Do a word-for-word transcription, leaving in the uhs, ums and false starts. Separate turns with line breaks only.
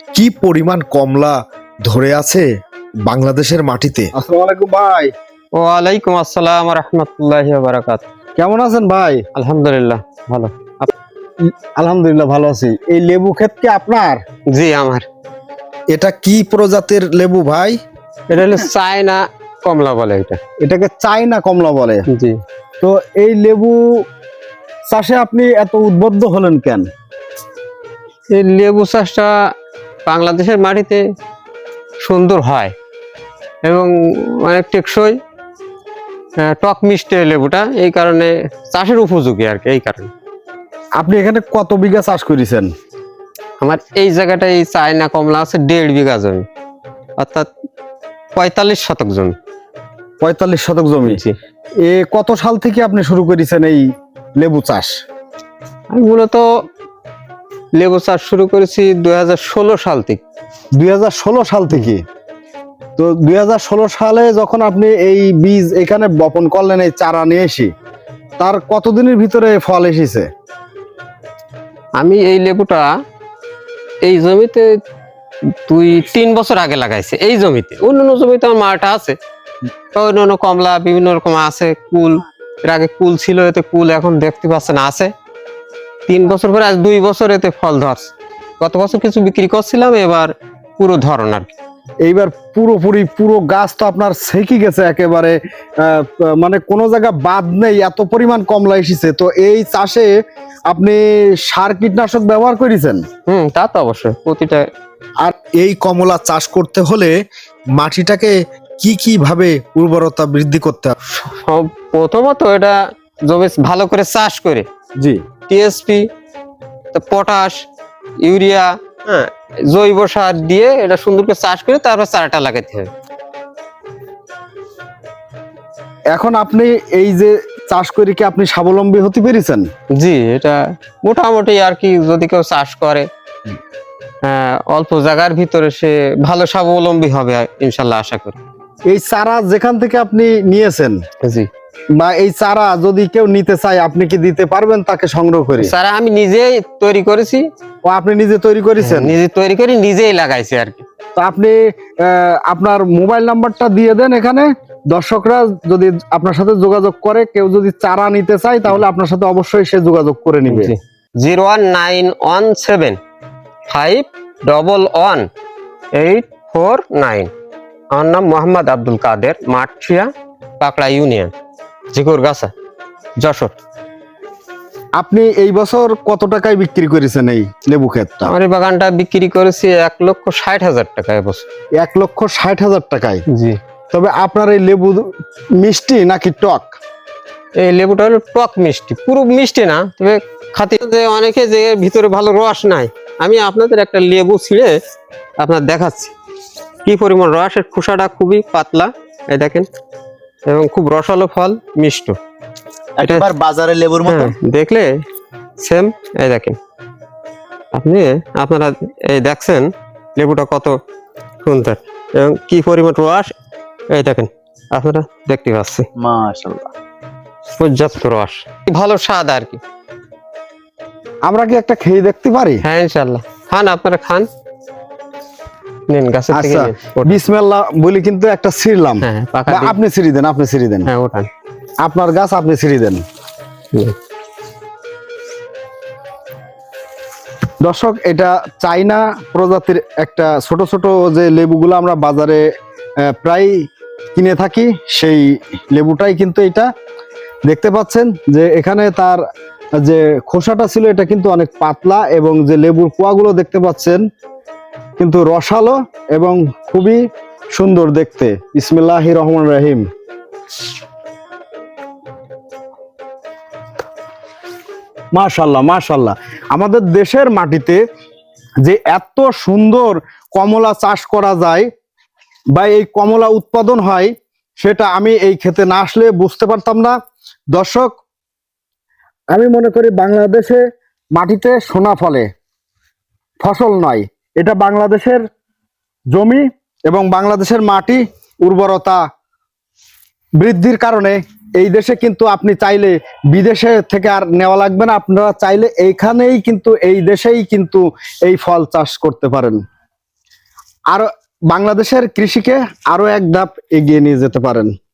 কি পরিমাণ কমলা ধরে আছে বাংলাদেশের মাটিতে।
আসসালামু আলাইকুম ভাই।
ওয়ালাইকুম আসসালাম ওয়া রাহমাতুল্লাহি ওয়া বারাকাতুহু।
কেমন আছেন ভাই?
আলহামদুলিল্লাহ ভালো।
আলহামদুলিল্লাহ ভালো আছি। এই লেবু ক্ষেত কি আপনার?
জি আমার।
এটা কি প্রজাতির লেবু ভাই?
এটা হলো চায়না কমলা বলে এটা।
এটাকে চায়না কমলা বলে।
জি।
তো এই লেবু চাষে আপনি এত উদ্বুদ্ধ হলেন কেন?
এই লেবু চাষটা বাংলাদেশের মাটিতে সুন্দর হয় এবং অনেক টেকসই, আহ, টক মিষ্টি এই লেবুটা, এই কারণে চাষের উপযোগী আর কি। এই কারণে
আপনি এখানে কত বিঘা চাষ করেছেন?
আমার এই জায়গাটায় এই চায়না কমলা আছে দেড় বিঘা জমি, অর্থাৎ পঁয়তাল্লিশ শতক জমি।
পঁয়তাল্লিশ শতক জমি।
জি।
এ কত সাল থেকে আপনি শুরু করেছেন এই লেবু চাষ?
আমি মূলত লেবু চাষ শুরু করেছি দুই হাজার ষোলো সাল থেকে।
দুই হাজার ষোলো সাল থেকে। তো দুই হাজার ষোলো সালে যখন আপনি এই বীজ এখানে বপন করলেন, এই চারা নিয়ে এসে, তার কতদিনের ভিতরে ফল এসেছে?
আমি এই লেবুটা এই জমিতে দুই তিন বছর আগে লাগাইছি। এই জমিতে, অন্য জমিতে আমার মাটা আছে, অন্য কমলা বিভিন্ন রকম আছে, কুল এর আগে কুল ছিল, এতে কুল এখন দেখতে পাচ্ছেন আছে। তিন বছর পরে আজ দুই বছর এতে ফল ধরছে। গত বছর কিছু বিক্রি করছিলাম, এবার পুরো ধরন আর কি।
এইবার পুরোপুরি পুরো গাছ তো আপনার সেকি গেছে একেবারে, আহ, মানে কোনো জায়গা বাদ নেই, এত পরিমাণ কমলা এসেছে। তো এই চাষে আপনি সার কীটনাশক ব্যবহার করেছেন?
হম তা তো অবশ্যই প্রতিটা।
আর এই কমলা চাষ করতে হলে মাটিটাকে কি কি ভাবে উর্বরতা বৃদ্ধি করতে হবে?
সব প্রথমত এটা জমি ভালো করে চাষ করে
জি।
টিএসপি, পটাশ, ইউরিয়া, হ্যাঁ, জৈব সার দিয়ে এটা সুন্দর করে চাষ করে তারপর চারাটা লাগাতে হবে।
এখন আপনি এই যে চাষ করে কি আপনি স্বাবলম্বী হতে পেরেছেন?
জি, এটা মোটামুটি আর কি, যদি কেউ চাষ করে আহ, অল্প জায়গার ভিতরে সে ভালো স্বাবলম্বী হবে ইনশাল্লাহ, আশা করি।
এই চারা যেখান থেকে আপনি নিয়েছেন,
জি,
বা এই চারা যদি কেউ নিতে চায়, আপনি কি দিতে পারবেন তাকে সংগ্রহ করে?
চারা আমি নিজেই তৈরি করেছি।
ও আপনি নিজে তৈরি করেছেন?
নিজে তৈরি করে নিজেই লাগাইছি আর কি।
তো আপনি আহ, আপনার মোবাইল নাম্বারটা দিয়ে দেন এখানে। দর্শকরা যদি আপনার সাথে যোগাযোগ করে, কেউ যদি চারা নিতে চায়, তাহলে আপনার সাথে অবশ্যই সে যোগাযোগ করে নিবে।
Zero one nine one seven five double one eight four nine. আমার নাম মোহাম্মদ আব্দুল কাদের, মাঠশিয়া, পাকড়া ইউনিয়ন, ঝিকুরগাছা, যশোর।
আপনি এই বছর কত টাকায় বিক্রি করেছেন এই লেবু ক্ষেতটা?
আমার এই বাগানটা বিক্রি করেছি এক লক্ষ ষাট হাজার টাকা এবছর।
এক লক্ষ ষাট হাজার টাকায়?
জি।
তবে আপনার এই লেবু মিষ্টি নাকি টক?
এই লেবুটা হলো টক মিষ্টি, পুরো মিষ্টি না, তবে খাতে যে অনেকে যে এর ভিতরে ভালো রস নাই। আমি আপনাদের একটা লেবু ছিঁড়ে আপনার দেখাচ্ছি কি পরিমাণ রস। এর খোসাটা খুবই পাতলা, এই দেখেন, এবং খুব রসালো ফল, মিষ্ট।
একেবারে বাজারে লেবুর মতো।
হ্যাঁ, দেখলে সেম। এই দেখেন আপনি, আপনারা এই দেখছেন লেবুটা কত সুন্দর এবং কি পরিমাণ রস। এই দেখেন আপনারা দেখতে পাচ্ছি,
মাশাআল্লাহ,
পর্যাপ্ত রস, ভালো স্বাদ আর কি।
আমরা কি একটা খেয়ে দেখতে পারি?
হ্যাঁ ইনশাল্লাহ, খান, আপনারা খান, নিন গাছের থেকে
আচ্ছা,
নিন, ওঠান।
বিসমিল্লাহ বলি কিন্তু একটা ছিঁড়লাম।
হ্যাঁ, পাকা
বা
দিন।
আপনি ছিঁড়ে দেন, আপনি ছিঁড়ে দেন।
হ্যাঁ ওঠান।
আপনার গাছ, আপনি ছিঁড়ে দেন।
হুম।
দর্শক, এটা চাইনা প্রজাতির একটা ছোট ছোট যে লেবুগুলো আমরা বাজারে আহ, প্রায় কিনে থাকি, সেই লেবুটাই কিন্তু এটা। দেখতে পাচ্ছেন যে এখানে তার যে খোসাটা ছিল, এটা কিন্তু অনেক পাতলা, এবং যে লেবুর কোয়াগুলো দেখতে পাচ্ছেন কিন্তু রসালো এবং খুবই সুন্দর দেখতে। বিসমিল্লাহির রহমানির রহিম। মাশাআল্লাহ, মাশাআল্লাহ। আমাদের দেশের মাটিতে যে এত সুন্দর কমলা চাষ করা যায় বা এই কমলা উৎপাদন হয়, সেটা আমি এই ক্ষেতে না আসলে বুঝতে পারতাম না। দর্শক, আমি মনে করি বাংলাদেশে মাটিতে সোনা ফলে, ফসল নয়। এটা বাংলাদেশের জমি এবং বাংলাদেশের মাটি উর্বরতা বৃদ্ধির কারণে এই দেশে কিন্তু আপনি চাইলে বিদেশে থেকে আর নেওয়া লাগবে না। আপনারা চাইলে এইখানেই কিন্তু, এই দেশেই কিন্তু এই ফল চাষ করতে পারেন। আরো বাংলাদেশের কৃষিকে আরো এক ধাপ এগিয়ে নিয়ে যেতে পারেন।